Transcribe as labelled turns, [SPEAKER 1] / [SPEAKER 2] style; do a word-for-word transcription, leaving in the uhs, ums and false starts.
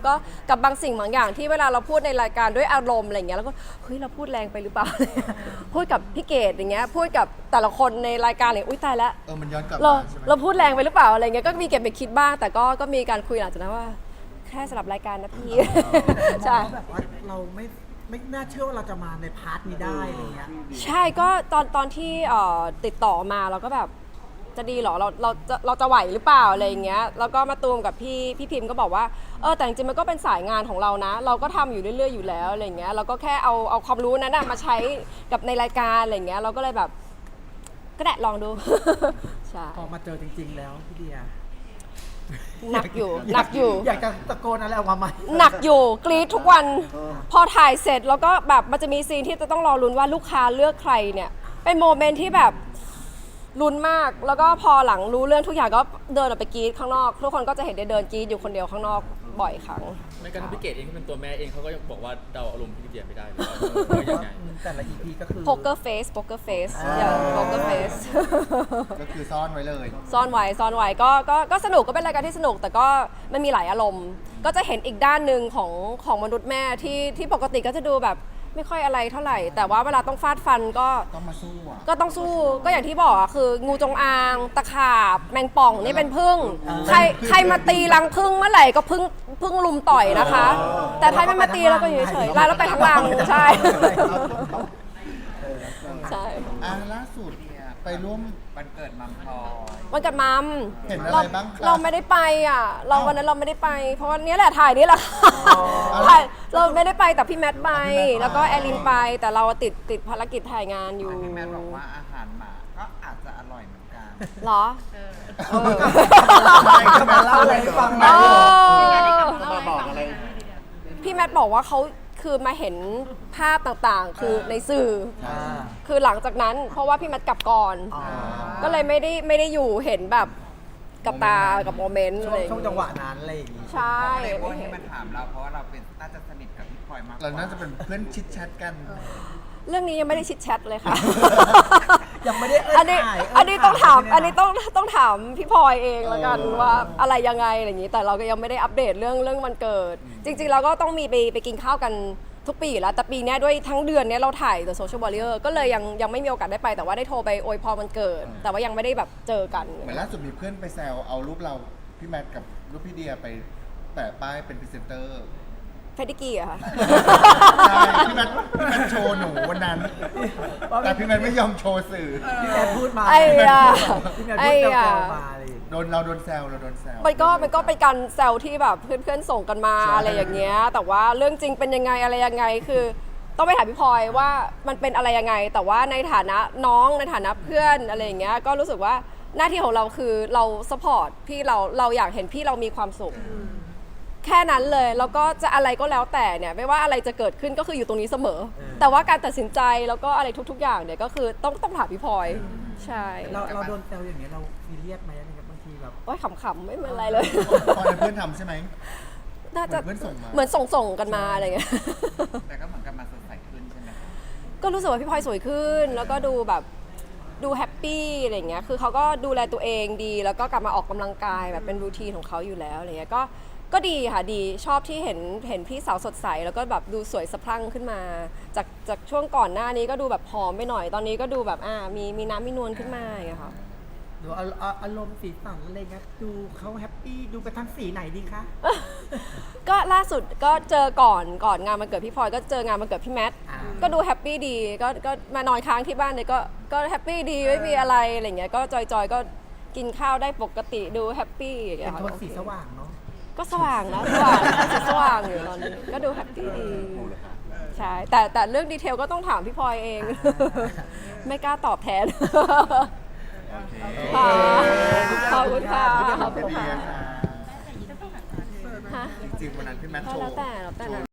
[SPEAKER 1] ก็กับบางสิ่งบางอย่างที่เวลาเราพูดในรายการด้วยอารมณ์อะไรเงี้ยแล้วก็เฮ้ยเราพูดแรงไปหรือเปล่า พูดกับพี่เกดอย่างเงี้ยพูดกับแต่ละคนในรายการเลยอุ้ยตายแล้ว
[SPEAKER 2] เออมันย้อนกลับ
[SPEAKER 1] เรา
[SPEAKER 2] มาใช่ไหม
[SPEAKER 1] เราพูดแรงไปหรือเปล่าอะไรเงี้ยก็มีเก็บไปคิดบ้างแต่ก็ก็มีการคุยหลังจากนั้นว่าแค่สำหรับรายการนะพี่ ใช่
[SPEAKER 3] แบบว่าเราไม่ไม่น่าเชื่อว่าเราจะมาในพาร์ทนี้ได้อะไรเงี้ย
[SPEAKER 1] ใช่ก็ตอนตอนที่เอ่อติดต่อมาเราก็แบบจะดีเหรอเราเราจะเราจะไหวหรือเปล่าอะไรอย่างเงี้ยแล้วก็มาตูมกับพี่พี่พิมพ์ก็บอกว่าเออแต่จริงๆมันก็เป็นสายงานของเรานะ เราก็ทำอยู่เรื่อยๆอยู่แล้วอะไรอย่างเงี้ยเราก็แค่เอาเอาความรู้นั้นนะมาใช้กับในรายการอะไรอย่างเงี้ยเราก็เลยแบบก็ได้ลองดู ใช่
[SPEAKER 3] พอมาเจอจริง ๆ แล้วพี่เดีย
[SPEAKER 1] หนักอยู่หนักอยู่
[SPEAKER 3] อยากจะตะโกนอะไรออกมาไหม
[SPEAKER 1] หนักอยู่กรี๊ดทุกวันพอถ่ายเสร็จแล้วก็แบบมันจะมีซีนที่จะต้องรอลุ้นว่าลูกค้าเลือกใครเนี่ยเป็นโมเมนต์ที่แบบลุ้นมากแล้วก็พอหลังรู้เรื่องทุกอย่างก็เดินออกไปกรี๊ดข้างนอกทุกคนก็จะเห็นได้เดินกรี๊ดอยู่คนเดียวข้างนอกบ่อยครั้ง
[SPEAKER 4] ไม่กระทั่งพี่เกดเองที่เป็นตัวแม่เองเขาก็ยังบอกว่าเดาอารมณ์พี่เดียไม่ได้เลยว่ายังไง
[SPEAKER 3] แต่ละ อี พี ก็คือ
[SPEAKER 1] poker face poker face อย่าง poker face
[SPEAKER 2] ก็คือซ่อนไว้เลย
[SPEAKER 1] ซ่อนไว้ซ่อนไว้ก็ก็ก็สนุกก็เป็นรายการที่สนุกแต่ก็มันมีหลายอารมณ์ ก็จะเห็นอีกด้านหนึ่งของของมนุษย์แม่ที่ที่ปกติก็จะดูแบบไม่ค่อยอะไรเท่าไหร่ แต่ว่าเวลาต้องฟาดฟันก็
[SPEAKER 2] ต้องมาสู้อ่ะ
[SPEAKER 1] ก็ต้องสู้ก็อย่างที่บอกอะคืองูจงอางตะขาบแมงป่องนี่เป็นพึ่งใครใครมาตีรังพึ่งเมื่อไหร่ก็พึ่งพึ่งลุมต่อยนะคะ แต่ถ้าไม่มาตีเราก็อยู่เฉยๆไล่แล้วไปทั้งรังใช่ ใช่
[SPEAKER 2] อ่ะล่าสุดเนี่ยไปร่วมวันเกิดมัมพลอย
[SPEAKER 1] วันเกิดมัม
[SPEAKER 2] เห็นอะไร
[SPEAKER 1] เรา
[SPEAKER 2] บ้างคะ
[SPEAKER 1] เราไม่ได้ไปอ่ะ เรา
[SPEAKER 2] อ้าว
[SPEAKER 1] วันนั้นเราไม่ได้ไป เพราะว่านี้แหละถ่ายนี่แหละถ่ายเราไม่ได้ไปแต่พี่แมทไป
[SPEAKER 2] พี่แมทไป
[SPEAKER 1] แล้วก็แอลินไป แต่เราติดติดภารกิจถ่ายงานอยู่
[SPEAKER 5] พี่แมทบอกว่าอาหารหมาก็อาจจะอร่อยเหมือนกัน
[SPEAKER 1] เหรอ
[SPEAKER 2] ใช่ก็มาเล่าอะไรให้ฟังห
[SPEAKER 1] เอ
[SPEAKER 2] น่อย
[SPEAKER 1] อ
[SPEAKER 5] มาบอกอะไร
[SPEAKER 1] พี่แมทบอกว่าเขาคือมาเห็นภาพต่างๆ คือในสื่อ
[SPEAKER 3] อ่า
[SPEAKER 1] คือหลังจากนั้นเพราะว่าพี่แมทกลับก่อน
[SPEAKER 3] อ๋อ
[SPEAKER 1] ก็เลยไม่ได้ไม่ได้อยู่เห็นแบบกับตากับโมเมนต์
[SPEAKER 3] ช่
[SPEAKER 1] อะ
[SPEAKER 3] ว
[SPEAKER 1] ไรง อย่าง
[SPEAKER 3] ช่วง
[SPEAKER 1] เงี้ย
[SPEAKER 3] จังหวะนั้นอะไรอย่างงี้
[SPEAKER 1] ใช่
[SPEAKER 5] ในพวก
[SPEAKER 1] ไม่
[SPEAKER 5] ที่
[SPEAKER 1] เห็น
[SPEAKER 5] มาถามเราเพราะว่าเราเป็นน่าจะสนิทกับพี่พลอยมากก
[SPEAKER 2] เรา
[SPEAKER 5] ว่า
[SPEAKER 2] น่าจะเป็นเพื่อนชิดแชทกัน
[SPEAKER 1] เรื่องนี้ยังไม่ได้ชิดแชทเลยค่ะ
[SPEAKER 3] ยังไม่ได้เอิ้
[SPEAKER 1] อันนี้
[SPEAKER 3] ถ่ายเ
[SPEAKER 1] อันนี้ต้องถาม
[SPEAKER 3] ถ่ย
[SPEAKER 1] อันนี้ต้องต้องถามพี่พลอยเองแล้วกัน
[SPEAKER 2] เออ
[SPEAKER 1] ว่าอะไรยังไงอะไรอย่างนี้ แต่เราก็ยังไม่ได้อัปเดตเรื่องเรื่องวันเกิด จริงๆเราก็ต้องมีไปไปกินข้าวกันทุกปีอยู่แล้ว แต่ปีเนี้ยด้วยทั้งเดือนเนี้ยเราถ่าย The Social Warrior ก็เลยยังยังไม่มีโอกาสได้ไป แต่ว่าได้โทรไปอวยพรวันเกิด แต่ว่ายังไม่ได้แบบเจอกัน
[SPEAKER 2] เหมือนล่าสุดมีเพื่อนไปแซวเอารูปเราพี่แมทกับรูปพี่เดียไปแปะป้ายเป็นพรีเซนเตอร์
[SPEAKER 1] เฟดดิกี้อะค่ะ
[SPEAKER 2] ใช่พี่แมทพี่แมทโชว์หนูวันนั้น แต่พี่แมทไม่ยอมโชว์สื่อ
[SPEAKER 3] พี่แมทพูดมา
[SPEAKER 1] ไอ้ยา
[SPEAKER 3] พี่แมท
[SPEAKER 1] ไอ้
[SPEAKER 3] พูดแซ
[SPEAKER 1] ยา
[SPEAKER 3] วๆมาอะไรอย่างงี้
[SPEAKER 2] โดนเราโดนแซวเราโดนแซว
[SPEAKER 1] มันก็มันก็เป็นการแซวที่แบบเพื่อนๆส่งกันมา
[SPEAKER 2] ใช่
[SPEAKER 1] อะไรอย่างเงี้ย แต่ว่าเรื่องจริงเป็นยังไงอะไรยังไงคือ ต้องไปถามพี่พลอยว่ามันเป็นอะไรยังไง แต่ว่าในฐานะน้องในฐานะเพื่อนอะไรอย่างเงี้ยก็รู้สึกว่าหน้าที่ของเราคือเราสปอร์ตพี่เราเราอยากเห็นพี่เรามีความสุข แค่นั้นเลยแล้วก็จะอะไรก็แล้วแต่เนี่ยไม่ว่าอะไรจะเกิดขึ้นก็คืออยู่ตรงนี้เสมอ แต่ว่าการตัดสินใจแล้วก็อะไรทุก ๆ อย่างเนี่ยก็คือต้องต้องถามพี่พลอยใช่
[SPEAKER 3] เราเราโดนแซวอย่างเงี้ยเราซีเรียสไหมอะไรเงี้ยบางทีแบบ
[SPEAKER 1] โอ้ยขำๆไม่เป็นไรเลย
[SPEAKER 2] พอเป็นเพื่อนทำใช่ไหม
[SPEAKER 1] น่าจะ
[SPEAKER 2] เหมือนเพื่อนส่งมา
[SPEAKER 1] เหมือนส่งๆกันมาอะไรเงี้ย
[SPEAKER 5] แต่ก็เหมือนกับมาสดใสขึ้นใช่ไหม
[SPEAKER 1] ก็รู้สึกว่าพี่พลอยสวยขึ้น แล้วก็ดูแบบดูแฮปปี้อะไรอย่างเงี้ย คือเขาก็ดูแลตัวเองดี แล้วก็กลับมาออกกำลังกายแบบเป็นรูทีนของเขาอยู่แล้วอะไรเงี้ย ก็ก็ดีค่ะดีชอบที่เห็นเห็นพี่สาวสดใสแล้วก็แบบดูสวยสะพรั่งขึ้นมา จากจากช่วงก่อนหน้านี้ก็ดูแบบผอมไปหน่อย ตอนนี้ก็ดูแบบอ่ามีมีน้ำมีนวลขึ้นมาอย่างเงี้ยค่ะ
[SPEAKER 3] ดูอาอาอารมณ์สีสันอะไรเงี้ยดูเขาแฮปปี้ดูไปทั้งสีไหนดีคะ
[SPEAKER 1] ก็ล่าสุดก็เจอก่อนก่อนงานวันเกิดพี่พลอยก็เจองานวันเกิดพี่แมท
[SPEAKER 3] อ่า
[SPEAKER 1] ก็ดูแฮปปี้ดีก็ก็มานอนค้างที่บ้านเลยก็ก็แฮปปี้ดีไม่มีอะไรอะไรเงี้ยก็จอยๆก็กินข้าวได้ปกติดูแฮปปี้อย่าง
[SPEAKER 3] เป็
[SPEAKER 1] เงี้
[SPEAKER 3] น
[SPEAKER 1] ยค่ะ
[SPEAKER 3] โทนสีสว่างเนาะ
[SPEAKER 1] ก็สว่างนะสว่างสีสว่างอยู่ตอนนี้ก็ดูแฮปปี้ดีใช่แต่แต่เรื่องดีเทลก็ต้องถามพี่พลอยเอง ไม่กล้าตอบแทน
[SPEAKER 2] โอเค
[SPEAKER 1] ค่ะขอบคุณค่ะ
[SPEAKER 2] ขอบคุณค่ะ
[SPEAKER 1] ฮะ
[SPEAKER 2] จริงๆวันนั้นพี่แมทโช
[SPEAKER 1] แล้ว
[SPEAKER 2] ว์
[SPEAKER 1] แต่แล้วแต่นะ